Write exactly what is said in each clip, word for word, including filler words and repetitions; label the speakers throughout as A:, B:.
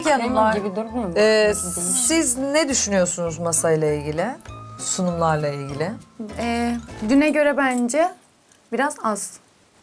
A: Peki hanımlar,
B: gibi durmuyor mu?
A: e, siz ne düşünüyorsunuz masayla ilgili? Sunumlarla ilgili?
C: Ee, düne göre bence biraz az.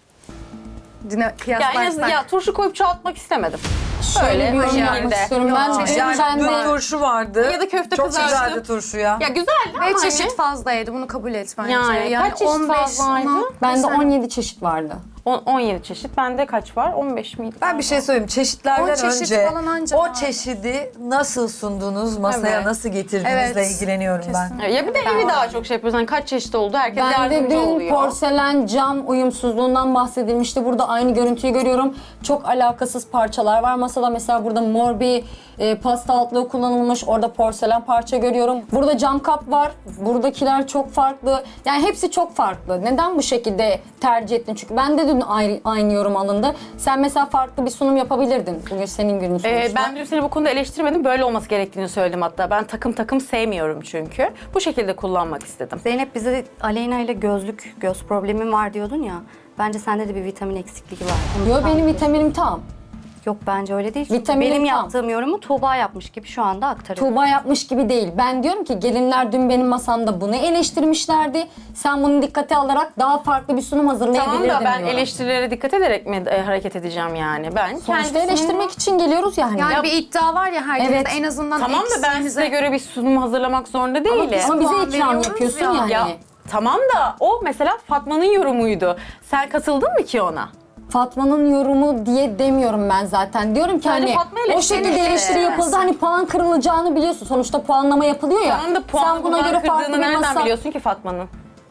C: Düne
D: Ya en
C: kıyaslarsak.
D: azından ya turşu koyup çoğaltmak istemedim.
B: Şöyle bir yorum
D: şekilde.
B: yapmak istiyorum. Ben
C: Yok.
B: de
A: Yani
B: ben
A: dün
B: de
A: turşu vardı.
D: Ya da köfte
A: Çok
D: kızarttım.
A: güzeldi turşu ya.
D: Ya güzeldi
C: Ve
D: ama
C: çeşit
D: hani
C: fazlaydı, bunu kabul et bence.
D: Yani kaç çeşit
C: on beş,
D: fazlaydı?
C: on altı
B: ben de
C: sen-
B: on yedi çeşit vardı.
D: on- on yedi çeşit. Bende kaç var? on beş miydi?
A: Ben bir şey söyleyeyim. Çeşitlerden
C: On çeşit
A: önce
C: falan anca
A: o
C: var.
A: çeşidi nasıl sundunuz, masaya
D: Evet.
A: nasıl getirdiğinizle
C: Evet.
A: ilgileniyorum ben.
D: Ya bir de evi daha çok şey yapıyoruz. Hani kaç çeşit oldu? Herkes
B: Ben de
D: yardımcı
B: dün
D: oluyor.
B: porselen cam uyumsuzluğundan bahsedilmişti. Burada aynı görüntüyü görüyorum. Çok alakasız parçalar var. Masada mesela burada mor bir e, pasta altlığı kullanılmış. Orada porselen parça görüyorum. Burada cam kap var. Buradakiler çok farklı. Yani hepsi çok farklı. Neden bu şekilde tercih ettin? Çünkü ben de dün aynı, aynı yorum alındı. Sen mesela farklı bir sunum yapabilirdin. Bugün senin günün sonuçta.
D: Ee, ben dün seni bu konuda eleştirmedim. Böyle olması gerektiğini söyledim hatta. Ben takım takım sevmiyorum çünkü. Bu şekilde kullanmak istedim.
E: Zeynep bize Aleyna ile gözlük, göz problemim var diyordun ya. Bence sende de bir vitamin eksikliği var. Onu
B: Yo,
E: tam-
B: benim vitaminim tam.
E: Yok bence öyle değil. Çünkü
B: Vitaminim
E: benim
B: tam.
E: yaptığım yorumu Tuğba yapmış gibi şu anda aktarıyorum.
B: Tuğba yapmış gibi değil. Ben diyorum ki gelinler dün benim masamda bunu eleştirmişlerdi. Sen bunu dikkate alarak daha farklı bir sunum hazırlayabilirdin
D: Tamam da ben
B: diyorum.
D: eleştirilere dikkat ederek mi e, hareket edeceğim yani? Ben
B: Sonuçta
D: kendi
B: eleştirmek için geliyoruz yani.
C: Yani
B: Ya-
C: bir iddia var ya herkeste,
B: Evet.
C: en azından
D: Tamam da ben
C: eksiğimize-
D: size göre bir sunum hazırlamak zorunda değilim.
B: Ama bize
C: puan
B: ikram
C: veriyoruz
B: yapıyorsun
C: ya.
B: yani.
D: Ya tamam da o mesela Fatma'nın yorumuydu. Sen katıldın mı ki ona?
B: Fatma'nın yorumu diye demiyorum ben zaten. Diyorum ki
D: Sadece
B: hani
D: Fatma ile
B: o şekilde
D: seni
B: eleştiri
D: işte.
B: yapıldı. Hani puan kırılacağını biliyorsun. Sonuçta puanlama yapılıyor ya.
D: Tamam da puan
B: Sen buna göre farklı
D: kırdığını
B: bir
D: nereden
B: masa...
D: biliyorsun ki Fatma'nın?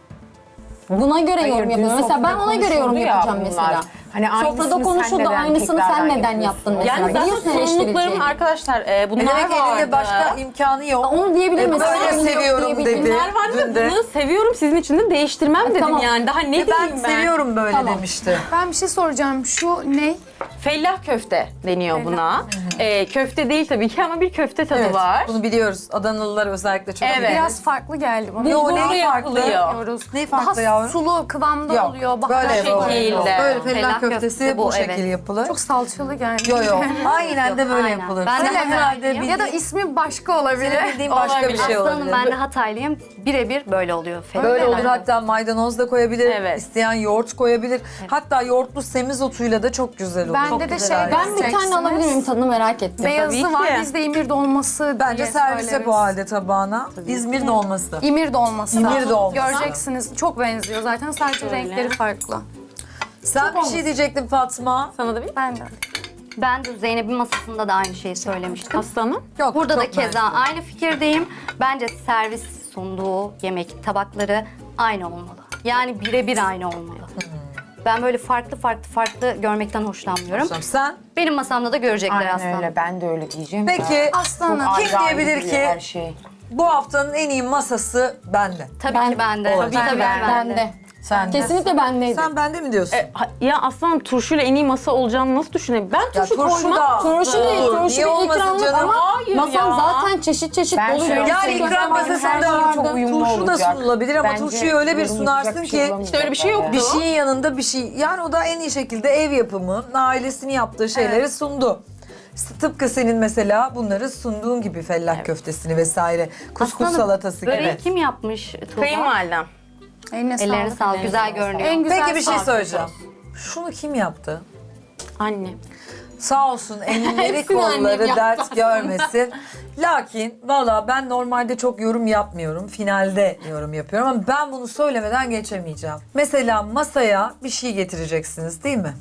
B: Buna göre
F: Hayır,
B: yorum
F: dün
B: yapıyorum. Mesela ben
F: sofrada
B: ona göre yorum
F: konuşuldu ya
B: yapacağım
F: bunlar.
B: mesela.
F: Hani
B: Sofrada
F: aynısını sen
B: konuşuldu,
F: neden
B: aynısını sen
F: tekrardan
B: neden
F: yapıyorsun?
B: yaptın mesela.
D: Yani zaten
B: Biliyorsun
D: sorumluluklarım
B: eleştireceğini.
D: arkadaşlar e, bunlar
A: Ne demek
D: vardı.
A: elinde başka imkanı yok.
B: Onu diyebilir
A: E,
B: mesela.
A: böyle
B: Bunu yok
A: seviyorum
B: diyebilir.
A: dedi.
D: Bunlar vardı
A: Dün
D: da
A: de.
D: bunu seviyorum sizin için de değiştirmem dedim
B: tamam.
D: yani. Daha ne
A: E,
D: diyeyim
A: ben
D: ben?
A: seviyorum böyle
B: Tamam.
A: demişti.
C: Ben bir şey soracağım. Şu ne?
D: Fellah köfte deniyor buna. E, köfte değil tabii ki ama bir köfte tadı
A: Evet,
D: var.
A: bunu biliyoruz. Adanalılar özellikle çok
D: Evet.
A: bilir.
C: Biraz farklı geldi bana.
A: Yo,
D: Bulgurlu
A: ne farklı?
D: yapılıyor.
C: Yapıyoruz.
A: Ne farklı
C: Daha
A: yavrum?
C: sulu kıvamda
A: Yok,
C: oluyor.
A: böyle
C: Baharat
D: şekilde.
C: koyuyor.
A: Böyle fellah
E: Fellah
A: köftesi
E: köftesi
A: bu,
E: bu,
A: şekil
E: evet.
A: yapılır.
C: Çok salçalı geldi.
A: Yo yo. Aynen de
E: Yok,
A: böyle
E: aynen.
A: yapılır.
E: Ben de
A: Senin herhalde
E: Hatay'ım.
C: Ya da
A: bildiğin,
C: ismi başka olabilir.
A: senin bildiğin başka bir şey
E: Aslanım
A: olabilir.
E: ben de Hataylıyım. Birebir böyle oluyor.
A: Böyle
C: Öyle
A: olur,
C: mi?
A: hatta maydanoz da koyabilir,
D: Evet.
A: isteyen yoğurt koyabilir. Hatta yoğurtlu semizotuyla da çok güzel olur.
C: Bende
A: Çok
C: de
A: güzel
C: şey-
A: ayrı.
B: Ben bir tane alabilir miyim? Tadını merak ettim.
C: Beyazı
D: Tabii
C: var,
D: ki.
C: bizde imir dolması
A: Bence
C: diye
A: servise
C: söyleriz.
A: bu halde tabağına. İzmir dolması.
C: İmir dolması.
A: İmir dolması.
C: Göreceksiniz. Çok benziyor zaten. Sadece renkleri farklı.
A: Sen bir şey diyecektin Fatma.
D: Sana da bir
C: Ben de.
E: Ben de Zeynep'in masasında da aynı şeyi söylemiştim.
D: aslanım.
A: Yok,
E: Burada da
A: çok
E: keza
A: mersi.
E: aynı fikirdeyim. Bence servis sunduğu yemek tabakları aynı olmalı. Yani birebir aynı olmalı. Ben böyle farklı farklı farklı görmekten hoşlanmıyorum.
A: Sen
E: Benim masamda da görecekler
F: Aynen
E: aslında.
F: öyle, ben de öyle diyeceğim.
A: peki
C: Aslanım.
F: Çok
A: kim
F: ayrı ayrı
A: diyebilir
F: duruyor
A: ki
F: her şey.
A: bu haftanın en iyi masası bende?
E: Tabii
B: Ben-
E: ki bende.
A: Olabilir.
E: Tabii ki
B: Ben,
E: bende.
B: ben de.
A: Sen de.
B: Kesinlikle bendeydi.
A: Sen bende mi diyorsun?
D: E, ha- ya aslanım turşuyla en iyi masa olacağını nasıl düşünebilirim? Ben
A: Ya
D: turşu,
A: turşu
D: koymam.
A: da-
B: Turşu değil,
A: Olur.
B: turşu
A: Niye
B: bir
A: olmasın
B: ikramlık
A: canım?
B: ama
D: Hayır
B: masam
D: ya.
B: zaten çeşit çeşit
F: Ben
B: dolu.
F: şöyle
B: görüyorum.
A: Yani
F: Turşu
A: ikram
F: da
A: masasında
F: çok uyumlu
A: turşu da
F: olacak.
A: sunulabilir ama
F: Bence
A: turşuyu öyle bir
F: yorumlayacak
A: sunarsın
F: bir şey
A: ki
F: bulamayacaklar
D: İşte öyle bir şey yoktu.
A: bir şeyin yanında bir şey. Yani o da en iyi şekilde ev yapımı, ailesinin yaptığı şeyleri sundu. Tıpkı senin mesela bunları sunduğun gibi fellah köftesini vesaire, kuskus
E: Aslanım,
A: salatası
E: Böreği
A: gibi.
E: kim yapmış Tuğba?
D: Kayınvalidem.
C: Eline
E: Ellerine
C: sağlık.
E: sağlık. Güzel görünüyor.
C: En güzel
A: Peki bir şey
C: sağlık.
A: söyleyeceğim. Şunu kim yaptı?
D: Anne.
A: Sağ olsun elleri
D: Hepsini annem
A: kolları
D: yaptı
A: dert görmesin. Lakin valla ben normalde çok yorum yapmıyorum. Finalde yorum yapıyorum ama ben bunu söylemeden geçemeyeceğim. Mesela masaya bir şey getireceksiniz değil mi?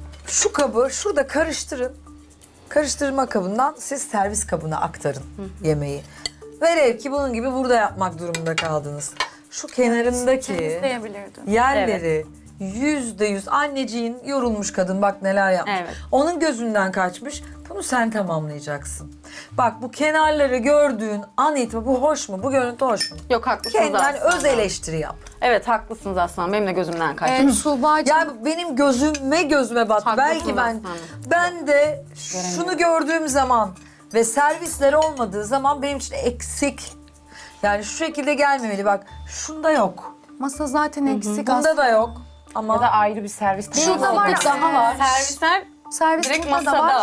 A: Şu kabı şurada karıştırın. Karıştırma kabından siz servis kabına aktarın yemeği. Velev ki bunun gibi burada yapmak durumunda kaldınız. Şu kenarındaki
C: Temizleyebilirdim.
A: yerleri yüzde yüz anneciğin yorulmuş kadın bak neler yapmış.
D: Evet.
A: Onun gözünden kaçmış. Bunu sen tamamlayacaksın. Bak bu kenarları gördüğün an itibaren bu hoş mu? Bu görüntü hoş mu?
D: Yok haklısınız
A: Kendinden
D: aslanım.
A: öz eleştiri yap.
D: Evet haklısınız aslanım. Benim de gözümden kaçtı.
C: Evet, Tuğba'cığım.
A: Yani benim gözüme gözüme battı.
D: Haklısınız
A: Belki ben
D: aslanım.
A: ben de şunu gördüğüm zaman ve servisleri olmadığı zaman benim için eksik. Yani şu şekilde gelmemeli. Bak şunda yok.
C: Masa zaten eksik
A: Bunda
C: aslında.
A: da yok. Ama
F: Ya da ayrı bir servis.
C: Şurada var
B: Eksiklik
C: ya.
B: daha var.
D: Servisler
C: Servis
D: direkt
C: burada da
D: masada.
C: var.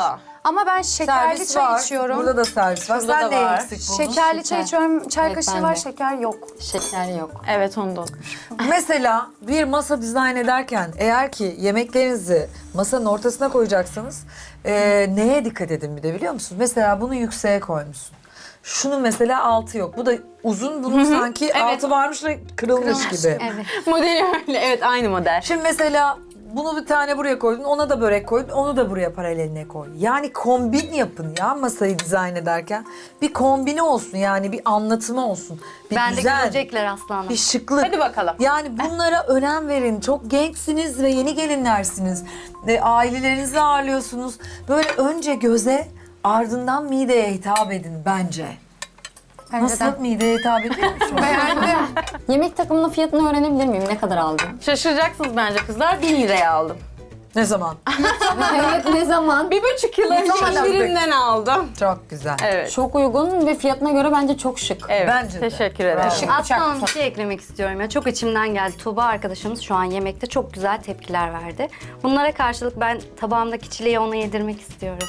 C: Ama ben şekerli
A: Servis
C: çay
A: var.
C: içiyorum.
A: Burada da servis var.
D: Şurada
A: Sen
D: da
A: ne
D: var.
A: eksik bunun?
C: Şekerli çay
B: Şeker.
C: içiyorum. Çay
B: Evet,
C: kaşığı
B: ben
C: var,
B: de.
C: şeker yok.
B: Şeker yok.
D: Evet ondan.
A: Mesela bir masa dizayn ederken eğer ki yemeklerinizi masanın ortasına koyacaksınız, e, neye dikkat edin bir de biliyor musun? Mesela bunu yükseğe koymuşsun. Şunun mesela altı yok. Bu da uzun, bunun sanki
D: Evet.
A: altı varmış da kırılmış gibi.
E: Evet.
D: Modeli öyle. Evet aynı model.
A: Şimdi mesela bunu bir tane buraya koydun, ona da börek koydun, onu da buraya paraleline koy. Yani kombin yapın ya masayı dizayn ederken. Bir kombini olsun yani bir anlatımı olsun. Bir
E: Ben de
A: güzel,
E: görecekler aslanım.
A: bir şıklık.
D: Hadi bakalım.
A: Yani bunlara önem verin. Çok gençsiniz ve yeni gelinlersiniz. Ve ailelerinizi ağırlıyorsunuz. Böyle önce göze, ardından mideye hitap edin bence.
C: Bence de.
A: Nasıl mideye hitap ediyor musun?
C: Beğendim.
B: Yemek takımının fiyatını öğrenebilir miyim? Ne kadar aldın?
D: Şaşıracaksınız bence kızlar. bin liraya aldım.
A: Ne zaman?
B: Evet, ne zaman?
D: Bir buçuk yıl önce
A: zaman
D: indirimden aldım.
A: Çok güzel.
D: Evet.
B: Çok uygun ve fiyatına göre bence çok şık.
D: Evet.
A: Bence de.
D: Teşekkür ederim.
A: Bravo.
E: Aslanım bir şey eklemek istiyorum ya. Çok içimden geldi. Tuğba arkadaşımız şu an yemekte çok güzel tepkiler verdi. Bunlara karşılık ben tabağımdaki çileği ona yedirmek istiyorum.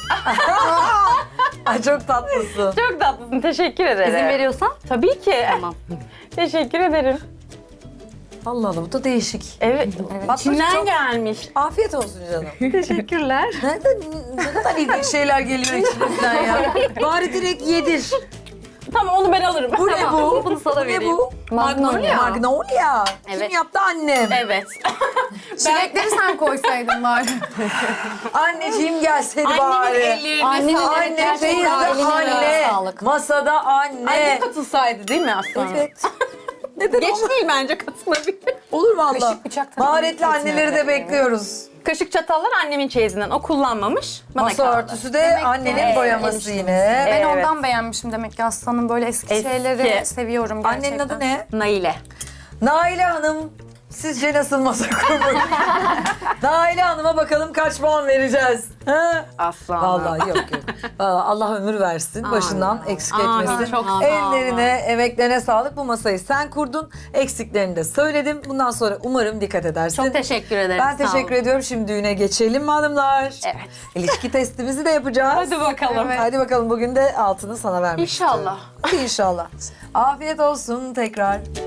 A: Ay çok tatlısın.
D: Çok tatlısın. Teşekkür ederim.
E: İzin veriyorsan
D: Tabii ki.
E: tamam.
D: Teşekkür ederim.
A: Allah Allah bu da değişik.
D: Evet.
A: Bak,
D: İçinden
A: çok-
D: gelmiş.
A: Afiyet olsun canım.
E: Teşekkürler.
A: Nereden, ne kadar ilginç şeyler geliyor içimizden ya. Bari direkt yedir.
D: Tamam onu ben alırım.
A: Bu ne bu?
E: Bunu sana
A: Bu ne
E: vereyim.
A: bu?
B: Magnolia.
A: Magnolia.
D: Evet.
A: Kim yaptı? Annem.
D: Evet.
C: Çilekleri sen koysaydın bari.
A: Anneciğim gelseydi
D: Annemin
A: bari.
D: ellerine
B: Annemin
D: sağlık.
A: Anne
B: Gerçekten
A: teyze
B: eline
A: anne.
B: sağlık.
A: Masada
D: Anne
A: anne.
D: katılsaydı değil mi aslında?
A: Evet. Neden
D: Geç
A: olur?
D: değil bence katılabilir.
A: Olur valla.
C: Kaşık, bıçak tabii
A: Maharetli
C: ki
A: anneleri de
C: kesinlikle.
A: bekliyoruz.
D: Kaşık çatallar annemin çeyizinden. O kullanmamış. Bana
A: Masa
D: kaldı.
A: örtüsü de annenin
D: Evet,
A: boyaması yine.
C: Ben
D: Evet.
C: ondan beğenmişim demek ki aslanım. Böyle eski,
D: Eski.
C: şeyleri seviyorum gerçekten.
A: Annenin adı ne?
D: Naile.
A: Naile Hanım. Sizce nasıl masa kurmuş? Naile Hanım'a bakalım kaç puan vereceğiz. Ha?
D: Aslan.
A: Vallahi yok yok. Vallahi Allah ömür versin. Başından eksik
D: Amin,
A: etmesin.
D: çok sağ olun.
A: Ellerine, emeklerine sağlık. Bu masayı sen kurdun. Eksiklerini de söyledim. Bundan sonra umarım dikkat edersin.
D: Çok teşekkür ederim.
A: Ben
D: sağ olun.
A: teşekkür ediyorum. Şimdi düğüne geçelim mi hanımlar?
D: Evet.
A: İlişki testimizi de yapacağız.
D: Hadi bakalım.
A: Hadi bakalım bugün de altını sana vermek
D: İnşallah.
A: istiyorum. İnşallah. Afiyet olsun tekrar.